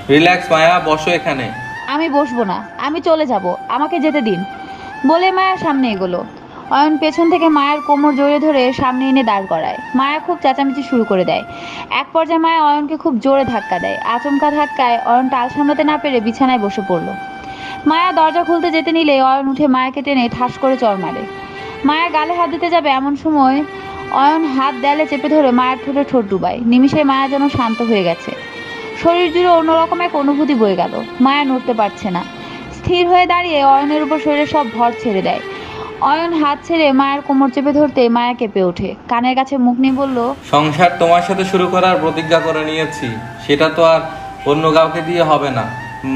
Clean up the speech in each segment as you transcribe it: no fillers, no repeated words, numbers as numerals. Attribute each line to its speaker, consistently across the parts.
Speaker 1: Relax মায়া, বসো এখানে।
Speaker 2: আমি বসবো না, আমি চলে যাব, আমাকে যেতে দিন বলে মায়া সামনে এগোলো। অয়ন পেছন থেকে মায়ের কোমর জড়িয়ে ধরে সামনে এনে দাঁড় করায়। মায়া খুব চেঁচামেচি শুরু করে দেয়। এক পর্যায়ে মায়া অয়নকে খুব জোরে ধাক্কা দেয়। আচমকা ধাক্কায় অয়ন টাল সামলাতে না পেরে বিছানায় বসে পড়ল। মায়া দরজা খুলতে যেতে নিলে অয়ন উঠে মায়াকে টেনে ঠাস করে চড় মারে। মায়া গালে হাত দিতে যাবে এমন সময় অয়ন হাত দেয়ালে চেপে ধরে মায়ের ঠোঁটে ঠোঁট ডুবায়। নিমিষে মায়া যেন শান্ত হয়ে গেছে। শরীর জুড়ে অন্যরকম এক অনুভূতি বয়ে গেল। মায়া নড়তে পারছে না। স্থির হয়ে দাঁড়িয়ে অয়নের উপর শরীরের সব ভর ছেড়ে দেয়। অয়ন হাত ছেড়ে মায়ের কোমর চেপে ধরতে মায়া কেঁপে ওঠে। কানের কাছে মুখ নিয়ে বলল,
Speaker 1: সংসার তোমার সাথে শুরু করার প্রতিজ্ঞা করে নিয়েছি, সেটা তো আর অন্য কাউকে দিয়ে হবে না।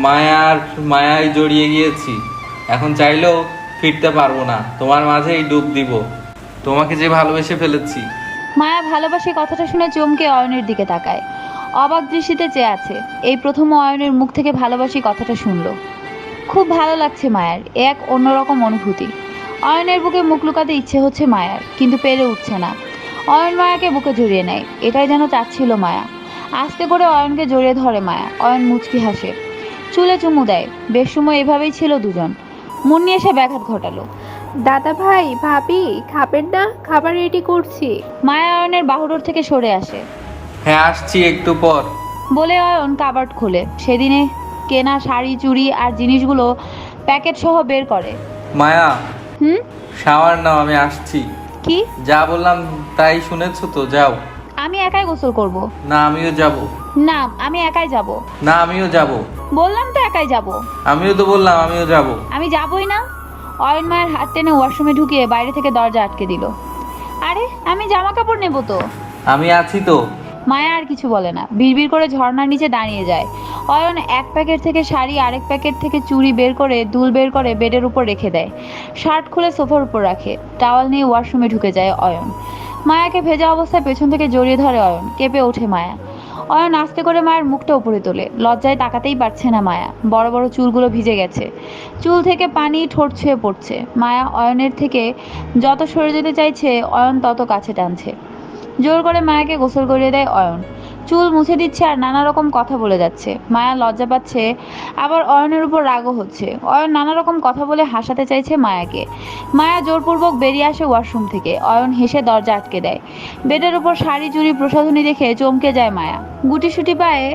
Speaker 1: মায়ায় জড়িয়ে গিয়েছি, এখন চাইলেও ফিরতে পারবো না। তোমার মাঝেই ডুব দিব, তোমাকে যে ভালোবেসে ফেলেছি।
Speaker 2: মায়া ভালোবাসি কথাটা শুনে চমকে অয়নের দিকে তাকায়। অবাক দৃষ্টিতে চেয়ে আছে। এই প্রথম অয়নের মুখ থেকে ভালোবাসি কথাটা শুনল। খুব ভালো লাগছে মায়ার, এক অন্যরকম অনুভূতি। অয়নের বুকে মুখ লুকাতে ইচ্ছে হচ্ছে মায়ার, কিন্তু পেরে উঠছে না। অয়ন মায়াকে বুকে জড়িয়ে নেয়, এটাই যেন চাচ্ছিল মায়া। আস্তে করে অয়নকে জড়িয়ে ধরে মায়া। অয়ন মুচকি হাসে, চুলে চুমু দেয়। বেশ সময় এভাবেই ছিল দুজন। মুন্নি এসে ব্যাঘাত ঘটালো।
Speaker 3: দাদা ভাই, ভাবি, খাবেন না? খাবার রেডি করছি।
Speaker 2: মায়া অয়নের বাহুডোর থেকে সরে আসে।
Speaker 1: হ্যাঁ, আসছি একটু পর।
Speaker 2: বলে অয়ন কাবার্ড খোলে। সেদিনে কেনা শাড়ি, চুড়ি আর জিনিসগুলো প্যাকেট সহ বের করে।
Speaker 1: মায়া,
Speaker 2: হুম?
Speaker 1: শাওয়ার নাও, আমি আসছি।
Speaker 2: কি?
Speaker 1: যা বললাম তাই শুনেছো তো, যাও।
Speaker 2: আমি একাই গোসল করব।
Speaker 1: না, আমিও যাব।
Speaker 2: না, আমি একাই যাব।
Speaker 1: না, আমিও যাব।
Speaker 2: বললাম তো একাই যাব।
Speaker 1: আমিও তো বললাম আমিও যাব।
Speaker 2: আমি যাবই না। অয়ন মায়ের হাত টেনে ওয়াশরুমে ঢুকিয়ে বাইরে থেকে দরজা আটকে দিল। আরে, আমি জামা কাপড় নেব তো।
Speaker 1: আমি আছি তো।
Speaker 2: মায়া আর কিছু বলে না, বিড়বিড় করে ঝর্ণার নিচে দাঁড়িয়ে যায়। অয়ন এক প্যাকেট থেকে শাড়ি, আরেক প্যাকেট থেকে চুড়ি বের করে দুল বের করে বেডের উপর রেখে দেয়। শার্ট খুলে সোফার উপর রাখে। টাওয়াল নিয়ে ওয়াশরুমে ঢুকে যায় অয়ন। মায়াকে ভেজা অবস্থায় পেছন থেকে জড়িয়ে ধরে অয়ন। কেঁপে ওঠে মায়া। অয়ন আস্তে করে মায়ের মুখটা উপরে তোলে। লজ্জায় তাকাতেই পারছে না মায়া। বড় বড় চুলগুলো ভিজে গেছে। চুল থেকে পানি ঠোঁট ছুঁয়ে পড়ছে। মায়া অয়নের থেকে যত সরে যেতে চাইছে, অয়ন তত কাছে টানছে। জোর করে মায়াকে গোসল করিয়ে দেয় অয়ন। চুল মুছে দিচ্ছে আর নানা রকম কথা বলে যাচ্ছে। মায়া লজ্জা পাচ্ছে, আবার অয়নের উপর রাগও হচ্ছে। অয়ন নানা রকম কথা বলে হাসাতে চাইছে মায়াকে। মায়া জোরপূর্বক বেরিয়ে আসে ওয়াশরুম থেকে। অয়ন হেসে দরজা আটকে দেয়। বেডের উপর শাড়ি, চুড়ি, প্রসাধনী দেখে চমকে যায় মায়া। গুটিসুটি পায়ে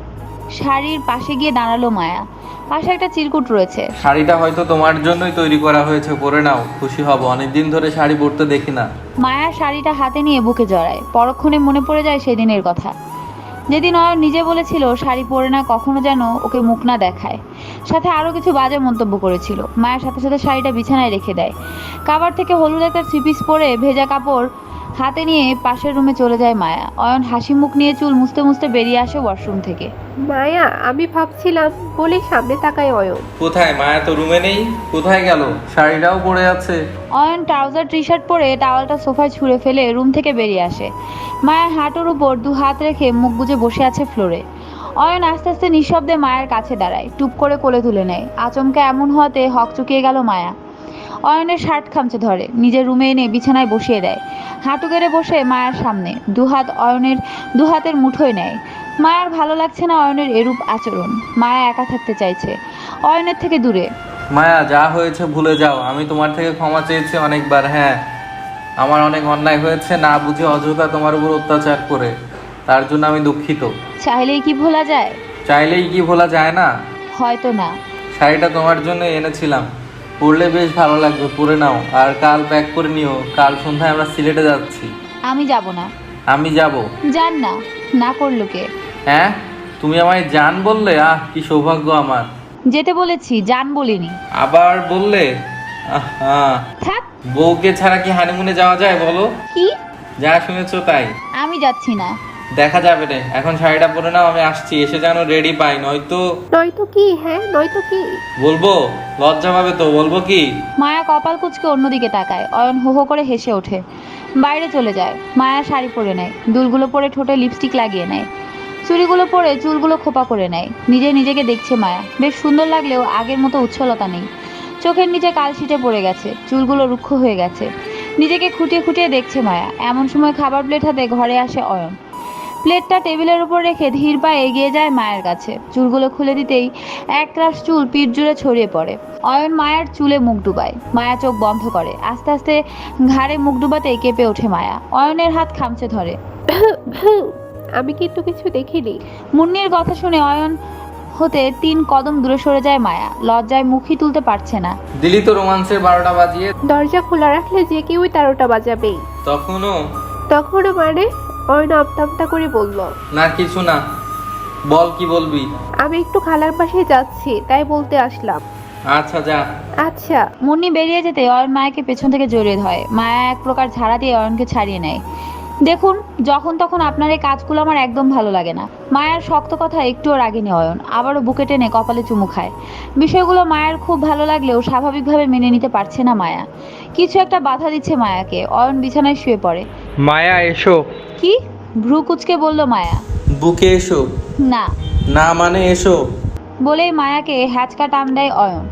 Speaker 2: শাড়ির পাশে গিয়ে দাঁড়ালো মায়া। পাশে একটা চিরকুট রয়েছে।
Speaker 1: শাড়িটা হয়তো তোমার জন্যই তৈরি করা হয়েছে, পরে নাও, খুশি হব। অনেকদিন ধরে শাড়ি পরতে দেখি না।
Speaker 2: মায়া শাড়িটা হাতে নিয়ে বুকে জড়ায়। পরক্ষণে মনে পড়ে যায় সেদিনের কথা, যেদিন অয়ন নিজে বলেছিল শাড়ি পরে না কখনো যেন ওকে মুখ না দেখায়। সাথে আরও কিছু বাজে মন্তব্য করেছিল। মায়ের সাথে সাথে শাড়িটা বিছানায় রেখে দেয়। কাবার থেকে হলুদ একটা থ্রি পিস পরে ভেজা কাপড় হাতে নিয়ে পাশের রুমে চলে যায় মায়া। অয়ন হাসি মুখ নিয়ে চুল মুছতে মুছতে বেরিয়ে আসে ওয়াশরুম থেকে।
Speaker 3: মায়া, আমি ভাবছিলাম বলে সামনে তাকায় অয়ন।
Speaker 1: কোথায়? মায়া তো রুমে নেই, কোথায় গেল? শাড়িটাও পরে আছে।
Speaker 2: অয়ন ট্রাউজার টি শার্ট পরে টাওয়ালটা সোফায় ছুঁড়ে ফেলে রুম থেকে বেরিয়ে আসে। মায়ের হাঁটুর উপর দু হাত রেখে মুখ গুজে বসে আছে ফ্লোরে। অয়ন আস্তে আস্তে নিঃশব্দে মায়ের কাছে দাঁড়ায়। টুপ করে কোলে তুলে নেয়। আচমকা এমন হওয়াতে হকচকিয়ে গেল মায়া। অয়নের শার্ট খামচে ধরে নিজের রুমে এনে বিছানায় বসিয়ে দেয়। হাঁটু গেড়ে বসে মায়ের সামনে দুহাত অয়নের দুহাতের মুঠোয় নেয়। মায়ার ভালো লাগছে না অয়নের এরূপ আচরণ। মায়া একা থাকতে চাইছে, অয়নের থেকে দূরে।
Speaker 1: মায়া, যা হয়েছে ভুলে যাও। আমি তোমার থেকে ক্ষমা চেয়েছি অনেকবার। হ্যাঁ, আমার অনেক অন্যায় হয়েছে, না বুঝে অযথা তোমার উপর অত্যাচার করে। তার জন্য আমি দুঃখিত।
Speaker 2: চাইলেই কি ভোলা যায়?
Speaker 1: চাইলেই কি ভোলা যায় না?
Speaker 2: হয়তো না।
Speaker 1: শাড়িটা তোমার জন্য এনেছিলাম, পরলে বেশ ভালো লাগবে, পরে নাও। আর কাল প্যাক করে নিও, কাল সন্ধ্যায় আমরা সিলেটে যাচ্ছি।
Speaker 2: আমি যাব না।
Speaker 1: আমি যাব।
Speaker 2: যান না। না করলো কে?
Speaker 1: হ্যাঁ, তুমি আমায় জান বললে? আহ, কি সৌভাগ্য আমার।
Speaker 2: যেতে বলেছি, যান বলিনি।
Speaker 1: আবার বললে? আহা,
Speaker 2: থাক।
Speaker 1: বউকে ছাড়া কি হানিমুনে যাওয়া যায় বলো?
Speaker 2: কি?
Speaker 1: যা শুনেছো তাই।
Speaker 2: আমি যাচ্ছি না।
Speaker 1: দেখা যাবে রে, এখন শাড়িটা পরে নাও, আমি আসছি। এসে যেন রেডি পাই, নয়তো।
Speaker 3: নয়তো কি? হ্যাঁ, নয়তো কি?
Speaker 1: বলবো? লজ্জা পাবে তো, বলবো কি?
Speaker 2: মায়া কপাল কুঁচকে অন্যদিকে তাকায়। অয়ন হো হো করে হেসে ওঠে। বাইরে চলে যায়। মায়া শাড়ি পরে নেয়, দুলগুলো পরে ঠোঁটে লিপস্টিক লাগিয়ে নেয়, চুড়িগুলো পরে চুলগুলো খোপা করে নেয়। নিজেকে দেখছে মায়া। বেশ সুন্দর লাগলেও আগের মতো উচ্ছলতা নেই। চোখের নিচে কালশিটে পড়ে গেছে, চুলগুলো রুক্ষ হয়ে গেছে। নিজেকে খুঁটিয়ে খুঁটিয়ে দেখছে মায়া। এমন সময় খাবার প্লেট হাতে ঘরে আসে অয়ন। প্লেটটা টেবিলের উপর রেখে ধীর পায়ে এগিয়ে যায় মায়ের কাছে। চুলগুলো খুলে দিতেই এক রাশ চুল পিঠ জুড়ে ছড়িয়ে পড়ে। অয়ন মায়ের চুলে মুখ ডুবায়। মায়া চোখ বন্ধ করে। আস্তে আস্তে ঘাড়ে মুখ ডুবাতেই কেঁপে ওঠে মায়া। অয়নের হাত খামচে ধরে।
Speaker 3: আমি কিন্তু কিছু দেখিনি।
Speaker 2: মুন্নির কথা শুনে অয়ন হতে 3 কদম দূরে সরে যায় মায়া। লজ্জায় মুখই তুলতে পারছে না।
Speaker 1: দিলি তো রোমান্সের 12টা বাজিয়ে।
Speaker 3: দরজা খোলা রাখলে যে কেউই 13টা বাজাবেই।
Speaker 1: তখনও
Speaker 3: তখনও মানে? অয়ন আমতা করে বলল।
Speaker 1: না কিছু না, বল কি বলবি।
Speaker 3: আমি একটু খালার পাশে যাচ্ছি, তাই বলতে আসলাম।
Speaker 1: আচ্ছা যা।
Speaker 3: আচ্ছা।
Speaker 2: মুন্নি বেরিয়ে যেতে অয়ন মায়াকে পেছন থেকে জড়িয়ে ধরে। মায়া এক প্রকার ঝাড়া দিয়ে অয়নকে ছাড়িয়ে নেয়। দেখুন, যখন তখন আপনার এই কাজগুলো আমার একদম ভালো লাগে না। মায়ার শক্ত কথা একটুও রাগেনি অয়ন। আবারও বুকে টেনে কপালে চুমু খায়। বিষয়গুলো মায়ের খুব ভালো লাগলেও স্বাভাবিকভাবে মেনে নিতে পারছে না মায়া। কিছু একটা বাধা দিচ্ছে মায়াকে। অয়ন বিছানায় শুয়ে পড়ে।
Speaker 1: মায়া এসো।
Speaker 2: কি? ভ্রু কুচকে বলল মায়া।
Speaker 1: বুকে এসো।
Speaker 2: না
Speaker 1: না মানে এসো।
Speaker 2: বলেই মায়াকে হ্যাচকা টান দেয় অয়ন।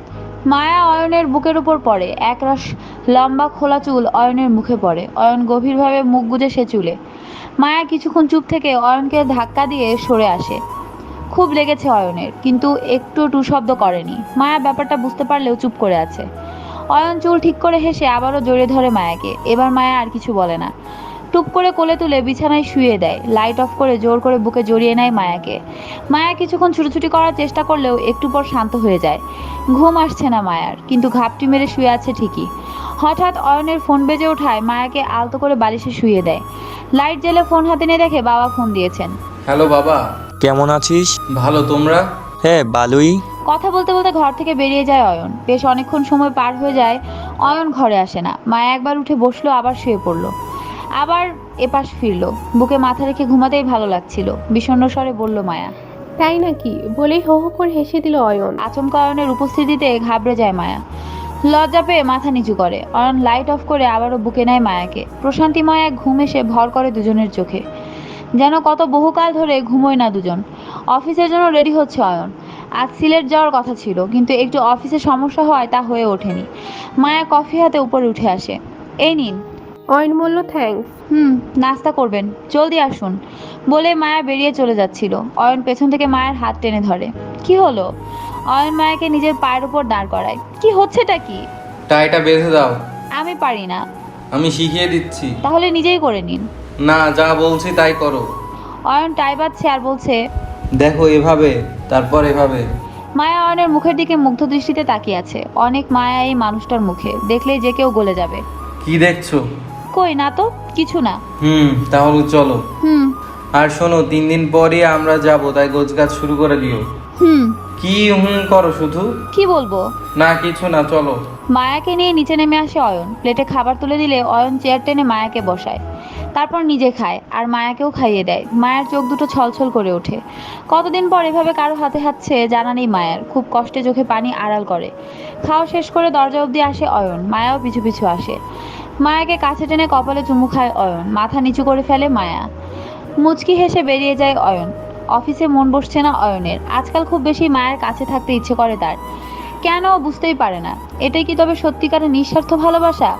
Speaker 2: মায়া অয়নের বুকের উপর পড়ে। একরাশ লম্বা খোলা চুল অয়নের মুখে পড়ে। অয়ন গভীরভাবে মুখ গুজে সে চুলে। মায়া কিছুক্ষণ চুপ থেকে অয়নকে ধাক্কা দিয়ে সরে আসে। খুব লেগেছে অয়নের, কিন্তু একটু টু শব্দ করেনি। মায়া ব্যাপারটা বুঝতে পারলেও চুপ করে আছে। অয়ন চুল ঠিক করে হেসে আবারও জড়িয়ে ধরে মায়াকে। এবার মায়া আর কিছু বলে না। টুপ করে কোলে তুলে বিছানায় শুয়ে দেয়। লাইট অফ করে জোর করে বুকে জড়িয়ে নেয় মায়াকে। মায়া কিছুক্ষণ ছুটোছুটি করার চেষ্টা করলেও একটু পর শান্ত হয়ে যায়। ঘুম আসছে না মায়ার, কিন্তু ঘাপটি মেরে শুয়ে আছে ঠিকই। হঠাৎ অয়নের ফোন বেজে ওঠায় মায়াকে আলতো করে বালিশে শুয়ে দেয়। লাইট জ্বেলে ফোন হাতে নিয়ে দেখে বাবা ফোন দিয়েছেন।
Speaker 1: হ্যালো বাবা।
Speaker 4: কেমন আছিস?
Speaker 1: ভালো, তোমরা?
Speaker 4: হ্যাঁ ভালোই।
Speaker 2: কথা বলতে বলতে ঘর থেকে বেরিয়ে যায় অয়ন। বেশ অনেকক্ষণ সময় পার হয়ে যায়, অয়ন ঘরে আসে না। মায়া একবার উঠে বসলো, আবার শুয়ে পড়লো, আবার এপাশ ফিরলো। বুকে মাথা রেখে ঘুমাতেই ভালো লাগছিল। বিষণ্ণ স্বরে বলল মায়া।
Speaker 3: তাই নাকি? বলেই হো হো করে হেসে দিল অয়ন।
Speaker 2: আচমকা অয়নের উপস্থিতিতে ঘাবড়ে যায় মায়া। লজ্জা পেয়ে মাথা নিচু করে। অয়ন লাইট অফ করে আবারও বুকে নেয় মায়াকে। প্রশান্তিময় এক ঘুম এসে ভর করে দুজনের চোখে। যেন কত বহুকাল ধরে ঘুমোয় না দুজন। অফিসের জন্য রেডি হচ্ছে অয়ন। আজ সিলেট যাওয়ার কথা ছিল, কিন্তু একটু অফিসে সমস্যা হওয়ায় তা হয়ে ওঠেনি। মায়া কফি হাতে উপরে উঠে আসে। এই নিন।
Speaker 3: অয়ন বলল থ্যাঙ্কস।
Speaker 2: নাস্তা করবেন, জলদি আসুন বলে মায়া বেরিয়ে চলে যাচ্ছিল। অয়ন পেছন থেকে মায়ের হাত টেনে ধরে। কি হলো? অয়ন মায়াকে নিজের পায়ের উপর দাঁড় করায়। কি হচ্ছেটা কি?
Speaker 1: টাইটা বেঁধে দাও।
Speaker 2: আমি পারি না।
Speaker 1: আমি শিখিয়ে দিচ্ছি।
Speaker 2: তাহলে নিজেই করে নিন।
Speaker 1: না, যা বলছি তাই করো।
Speaker 2: অয়ন টাই বাঁধছে আর বলছে,
Speaker 1: দেখো এভাবে, তারপর এভাবে।
Speaker 2: মায়া অয়নের মুখের দিকে মুগ্ধ দৃষ্টিতে তাকিয়ে আছে। অনেক মায়া এই মানুষটার মুখে, দেখলেই যে কেউ গলে যাবে।
Speaker 1: কি দেখছো?
Speaker 2: কই না তো, কিছু না।
Speaker 1: তাহলে চলো।
Speaker 2: হুম
Speaker 1: আর শোনো, 3 দিন পরই আমরা যাব, তাই গোছগাছ শুরু করে দিও।
Speaker 2: হুম
Speaker 1: কি করো শুধু?
Speaker 2: কি বলবো?
Speaker 1: না কিছু না, চলো।
Speaker 2: মায়াকে নিয়ে নিচে নেমে আসে অয়ন। প্লেটে খাবার তুলে দিলে অয়ন চেয়ার টেনে মায়াকে বসায়। তারপর নিজে খায় আর মায়াকেও খাইয়ে দেয়। মায়ের চোখ দুটো ছলছল করে ওঠে। কতদিন পর এভাবে কারো হাতে হাতছে জানা নেই মায়ের। খুব কষ্টে চোখে পানি আড়াল করে। খাওয়া শেষ করে দরজা অবধি আসে অয়ন। মায়াও পিছু পিছু আসে। মায়াকে কাছে টেনে কপালে চুমু খায় অয়ন। মাথা নিচু করে ফেলে মায়া। মুচকি হেসে বেরিয়ে যায় অয়ন। অফিসে মন বসছে না অয়নের। আজকাল খুব বেশি মায়ের কাছে থাকতে ইচ্ছে করে তার। কেন বুঝতেই পারে না। এটাই কি তবে সত্যিকারের নিঃস্বার্থ ভালোবাসা?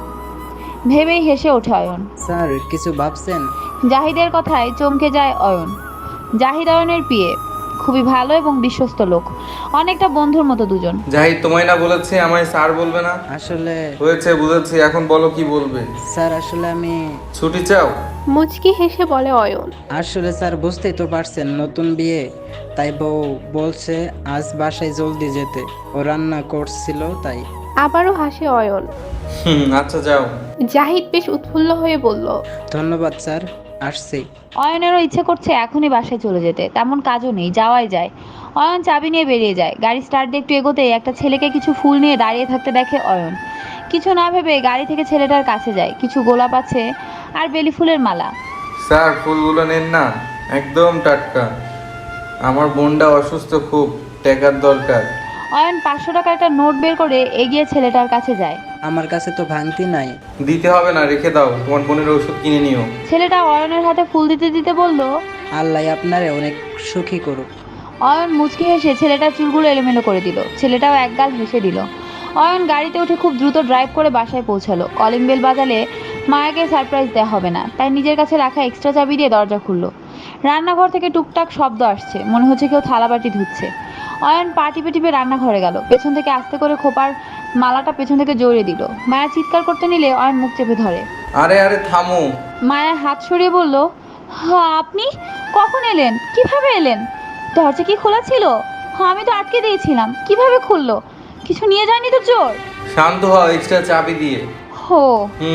Speaker 2: ভেবেই হেসে ওঠে অয়ন।
Speaker 5: স্যার কিছু ভাবছেন?
Speaker 2: জাহিদের কথায় চমকে যায় অয়ন। জাহিদ অয়নের পিএ। খুবই ভালো এবং বিশ্বস্ত লোক। অনেকটা বন্ধুর মতো দুজন।
Speaker 1: জাহিদ তোমায় না বলেছে আমায় স্যার বলবে না?
Speaker 5: আসলে
Speaker 1: হয়েছে, বুঝেছি, এখন বলো কি বলবে।
Speaker 5: স্যার আসলে আমি
Speaker 1: ছুটি চাও?
Speaker 3: মুচকি হেসে বলে অয়ন।
Speaker 5: আসলে স্যার বুঝতেই তো পারছেন, নতুন বিয়ে, তাই বউ বলছে আজ বাসায় জলদি যেতে। ও রান্না করছিল তাই।
Speaker 3: আবারও হাসে অয়ন।
Speaker 1: আচ্ছা যাও।
Speaker 3: জাহিদ বেশ উৎফুল্ল হয়ে বলল,
Speaker 5: ধন্যবাদ স্যার, আসছি।
Speaker 2: অয়নেরও ইচ্ছে করছে এখনই বাসায় চলে যেতে। তেমন কাজও নেই, যাওয়াই যায়। অয়ন চাবি নিয়ে বেরিয়ে যায়। গাড়ি স্টার্ট দিয়ে একটু এগোতেই একটা ছেলেকে কিছু ফুল নিয়ে দাঁড়িয়ে থাকতে দেখে অয়ন। কিছু না ভেবে গাড়ি থেকে ছেলেটার কাছে যায়। কিছু গোলাপ আছে আর বেলি ফুলের মালা।
Speaker 1: স্যার ফুলগুলো নেন না, একদম টাটকা। আমার বোনটা অসুস্থ, খুব টাকার দরকার।
Speaker 2: অয়ন 500 টাকার একটা নোট বের করে এগিয়ে ছেলেটার কাছে যায়।
Speaker 5: আমার কাছে তো ভাঙতি নাই।
Speaker 1: দিতে হবে না, রেখে দাও, তোমার বোনের ওষুধ কিনে নিও।
Speaker 2: ছেলেটা অয়নের হাতে ফুল দিতে দিতে বলল,
Speaker 5: আল্লাহ আপনারে অনেক সুখী করুক।
Speaker 2: অয়ন মুচকি হেসে ছেলেটার চুলগুলো এলোমেলো করে দিল। ছেলেটাও একগাল হেসে দিল। অয়ন গাড়িতে উঠে খুব দ্রুত ড্রাইভ করে বাসায় পৌঁছালো। কলিং বেল বাজালে মায়াকে সারপ্রাইজ দেওয়া হবে না, তাই নিজের কাছে রাখা এক্সট্রা চাবি দিয়ে দরজা খুলল। রান্নাঘর থেকে টুকটাক শব্দ আসছে, মনে হচ্ছে কেউ থালাবাটি ধুচ্ছে। অয়ন পা টিপে টিপে রান্নাঘরে গেল, পেছন থেকে আস্তে করে খোপার মালাটা পেছন থেকে জড়িয়ে দিল। মায়া চিৎকার করতে নিলে অয়ন মুখ চেপে ধরে।
Speaker 1: আরে আরে থামো।
Speaker 2: মায়া হাত সরিয়ে বলল, হ্যাঁ আপনি কখন এলেন? কিভাবে এলেন? দরজা কি খোলা ছিল? হ্যাঁ আমি তো আটকে দিয়েছিলাম, কিভাবে খুললো? কিছু নিয়ে যায়নি তো চোর?
Speaker 1: শান্ত হও, এক্সট্রা চাবি দিয়ে।
Speaker 2: হো।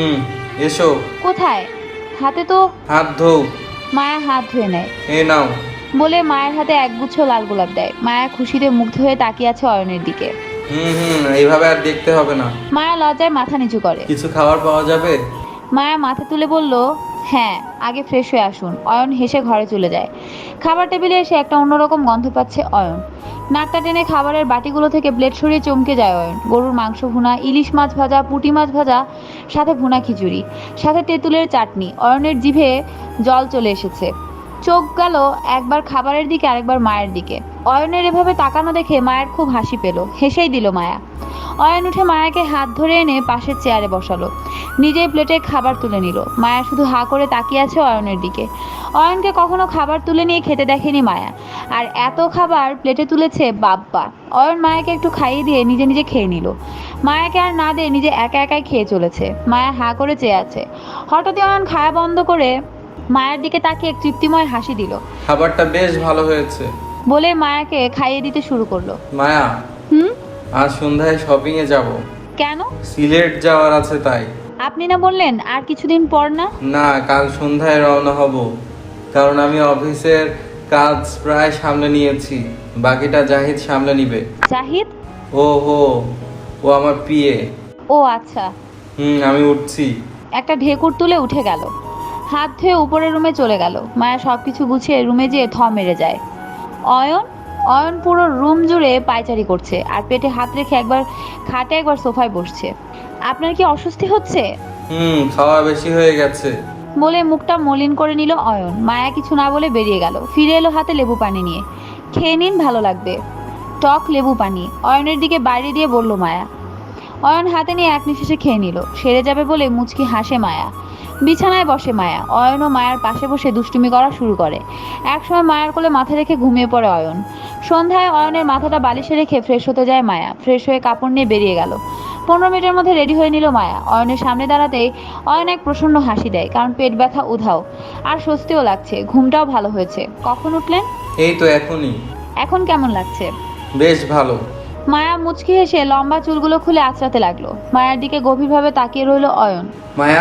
Speaker 1: এসো।
Speaker 2: কোথায়? হাতে তো।
Speaker 1: হাত ধোও।
Speaker 2: মায়া হাত ধুয়ে নেয়।
Speaker 1: এ নাও।
Speaker 2: বলে মায়ের হাতে একগুচ্ছ লাল গোলাপ দেয়। মায়া খুশিতে মুগ্ধ হয়ে তাকিয়ে আছে অয়নের দিকে।
Speaker 1: এইভাবে আর দেখতে হবে না।
Speaker 2: মায়া লজ্জায় মাথা নিচু করে।
Speaker 1: কিছু খাবার পাওয়া যাবে?
Speaker 2: মায়া মাথা তুলে বলল, হ্যাঁ আগে ফ্রেশ হয়ে আসুন। অয়ন হেসে ঘরে চলে যায়। খাবার টেবিলে এসে একটা অন্যরকম গন্ধ পাচ্ছে অয়ন। নাকটা টেনে খাবারের বাটিগুলো থেকে প্লেট সরিয়ে চমকে যায় অয়ন। গরুর মাংস ভুনা, ইলিশ মাছ ভাজা, পুঁটি মাছ ভাজা, সাথে ভুনা খিচুড়ি, সাথে তেঁতুলের চাটনি। অয়নের জিভে জল চলে এসেছে। চোখ গেল একবার খাবারের দিকে আরেকবার মায়ের দিকে। অয়নের এভাবে তাকানো দেখে মায়ের খুব হাসি পেল। হেসেই দিল মায়া। অয়ন উঠে মায়াকে হাত ধরে এনে পাশের চেয়ারে বসালো। নিজেই প্লেটে খাবার তুলে নিল। মায়া শুধু হা করে তাকিয়ে আছে অয়নের দিকে। অয়নকে কখনো খাবার তুলে নিয়ে খেতে দেখেনি মায়া, আর এত খাবার প্লেটে তুলেছে বাব্বা। অয়ন মায়াকে একটু খাইয়ে দিয়ে নিজে নিজে খেয়ে নিল। মায়াকে আর না দিয়ে নিজে একা একাই খেয়ে চলেছে। মায়া হা করে চেয়ে আছে। হঠাৎই অয়ন খাওয়া বন্ধ করে মায়ের দিকে তাকিয়ে এক তৃপ্তিময় হাসি দিল।
Speaker 1: খাবারটা বেশ ভালো হয়েছে
Speaker 2: বলে মায়াকে খাইয়ে দিতে শুরু করলো।
Speaker 1: মায়া, আজ সন্ধ্যায় শপিং এ যাব।
Speaker 2: কেন?
Speaker 1: সিলেট যাওয়ার আছে তাই।
Speaker 2: আপনি না বললেন আর কিছুদিন পর? না
Speaker 1: না, কাল সন্ধ্যায় রওনা হব, কারণ আমি অফিসের কাজ প্রায় সামলে নিয়েছি, বাকিটা জাহিদ সামলে নিবে।
Speaker 2: জাহিদ?
Speaker 1: ও আমার পিএ।
Speaker 2: ও আচ্ছা।
Speaker 1: আমি উঠছি।
Speaker 2: একটা ঢেকুর তুলে উঠে গেল। হাত ধুয়ে উপরের রুমে চলে গেল। মায়া সবকিছু গুছিয়ে রুমে যেয়ে থ মেরে যায়। অয়ন পুরো রুম জুড়ে পায়চারি করছে আর পেটে হাত রেখে একবার খাটে একবার সোফায় বসছে। আপনার কি অস্বস্তি হচ্ছে?
Speaker 1: খাওয়া বেশি হয়ে গেছে
Speaker 2: বলে মুখটা মলিন করে নিল অয়ন। মায়া কিছু না বলে বেরিয়ে গেল। ফিরে এলো হাতে লেবু পানি নিয়ে। খেয়ে নিন, ভালো লাগবে। টক লেবু পানি অয়নের দিকে বাইরে দিয়ে বলল মায়া। অয়ন হাতে নিয়ে এক নিঃশ্বাসে খেয়ে নিল। সেরে যাবে বলে মুচকি হাসে মায়া। বিছানায় বসে মায়া। অয়ন ও মায়ার পাশে বসে দুষ্টুমি করা শুরু করে। একসময় মায়ার কোলে মাথা রেখে ঘুমিয়ে পড়ে অয়ন। সন্ধ্যায় অয়নের মাথাটা বালিশে রেখে ফ্রেশ হতে যায় মায়া। ফ্রেশ হয়ে কাপড় নিয়ে বেরিয়ে গেল। 15 মিনিটের মধ্যে রেডি হয়ে নিল মায়া। অয়নের সামনে দাঁড়াতেই অয়ন এক প্রসন্ন হাসি দেয়, কারণ পেট ব্যথা উধাও আর স্বস্তিও লাগছে। ঘুমটাও ভালো হয়েছে। কখন উঠলেন?
Speaker 1: এই তো এখনই।
Speaker 2: এখন কেমন লাগছে?
Speaker 1: বেশ ভালো।
Speaker 2: মায়া মুচকি হেসে লম্বা চুলগুলো খুলে আঁচড়াতে লাগলো। মায়ার দিকে গভীরভাবে তাকিয়ে রইল অয়ন।
Speaker 1: মায়া,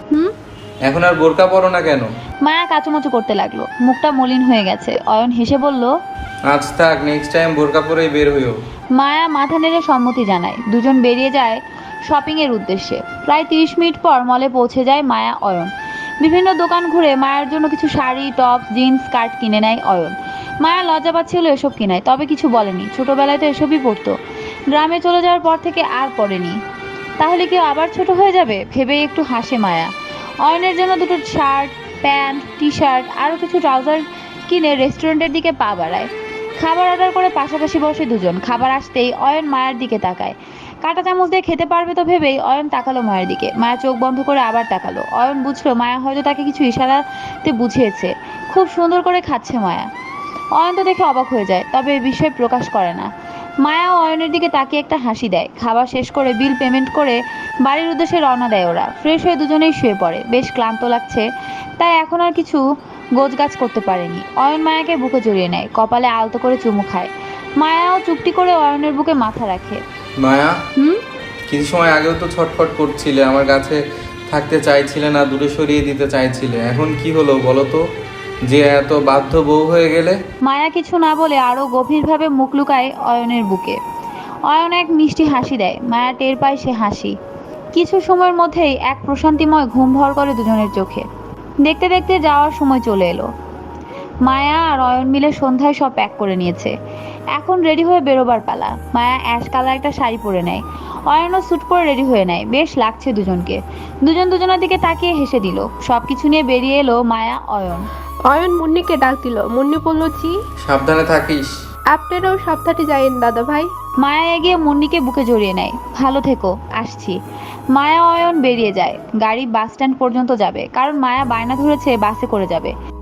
Speaker 1: এখন আর বোরকা পরো না কেন?
Speaker 2: মায়া কাচুমাচু করতে লাগলো। মুখটা মলিন হয়ে গেছে। অয়ন হেসে বলল,
Speaker 1: আজ থাক, নেক্সট টাইম বোরকা পরেই বের হইও।
Speaker 2: মায়া মাথা নেড়ে সম্মতি জানায়। দুজন বেরিয়ে যায় শপিং এর উদ্দেশ্যে। প্রায় 30 মিনিট পর মলে পৌঁছে যায় মায়া অয়ন। বিভিন্ন দোকান ঘুরে মায়ের জন্য কিছু শাড়ি, টপ, জিন্স, স্কার্ট কিনে নেয় অয়ন। মায়া লজ্জা পাচ্ছিল এসব কিনায়, তবে কিছু বলেনি। ছোটবেলায় তো এসবই পরতো, গ্রামে চলে যাওয়ার পর থেকে আর পরেনি। তাহলে কেউ আবার ছোট হয়ে যাবে ভেবেই একটু হাসে মায়া। অয়নের জন্য দুটো শার্ট, প্যান্ট, টি শার্ট আরও কিছু ট্রাউজার কিনে রেস্টুরেন্টের দিকে পা বাড়ায়। খাবার অর্ডার করে পাশাপাশি বসে দুজন। খাবার আসতেই অয়ন মায়ের দিকে তাকায়। কাঁটা চামচ দিয়ে খেতে পারবে তো ভেবেই অয়ন তাকালো মায়ের দিকে। মায়া চোখ বন্ধ করে আবার তাকালো। অয়ন বুঝলো মায়া হয়তো তাকে কিছু ইশারাতে বুঝিয়েছে। খুব সুন্দর করে খাচ্ছে মায়া। অয়ন তো দেখে অবাক হয়ে যায়, তবে এ বিষয়ে প্রকাশ করে না। মায়া অয়নের দিকে তাকিয়ে একটা হাসি দেয়। খাবার শেষ করে বিল পেমেন্ট করে বাড়ির উদ্দেশ্যে রওনা দেয় ওরা। ফ্রেশ হয়ে দুজনেই শুয়ে পড়ে। বেশ ক্লান্ত লাগছে, তাই এখন আর কিছু গোছগাছ করতে পারেনি। অয়ন মায়াকে বুকে জড়িয়ে নেয়, কপালে আলতো করে চুমু খায়। মায়াও চুপটি করে অয়নের বুকে মাথা রাখে।
Speaker 1: মায়া, কিছু সময় আগেও তো ছটফট করছিলে, আমার কাছে থাকতে চাইছিলে না, দূরে সরিয়ে দিতে চাইছিলে। এখন কি হলো বলো তো, যে এত বাধ্য বউ হয়ে গেলে?
Speaker 2: মায়া কিছু না বলে আরো গভীরভাবে মুখ লুকায় অয়নের বুকে। অয়ন এক মিষ্টি হাসি দেয়। মায়া টের পায় সে হাসি। কিছু সময়ের মধ্যেই এক প্রশান্তিময় ঘুম ভর করে দুজনের চোখে। দেখতে দেখতে যাওয়ার সময় চলে এলো। মায়া আর অয়ন মিলে সন্ধ্যায় সব প্যাক করে নিয়েছে। এখন রেডি হয়ে বেরোবার পালা। মায়া অ্যাশ কালার একটা শাড়ি পরে নেয়। অয়নও স্যুট পরে রেডি হয়ে নেয়। বেশ লাগছে দুজনকে। দুজন দুজনের দিকে তাকিয়ে হেসে দিল। সবকিছু নিয়ে বেরিয়ে এলো মায়া অয়ন।
Speaker 3: অয়ন মুন্নিকে ডাক দিল। মুন্নি বলল, জি।
Speaker 1: সাবধানে থাকিস।
Speaker 3: আপনারাও সাবধানে যাইন দাদা ভাই।
Speaker 2: মায়া এগিয়ে মুন্নিকে বুকে জড়িয়ে নেয়। ভালো থেকো, আসছি। মায়া অয়ন বেরিয়ে যায়। গাড়ি বাস স্ট্যান্ড পর্যন্ত যাবে, কারণ মায়া বায়না ধরেছে বাসে করে যাবে।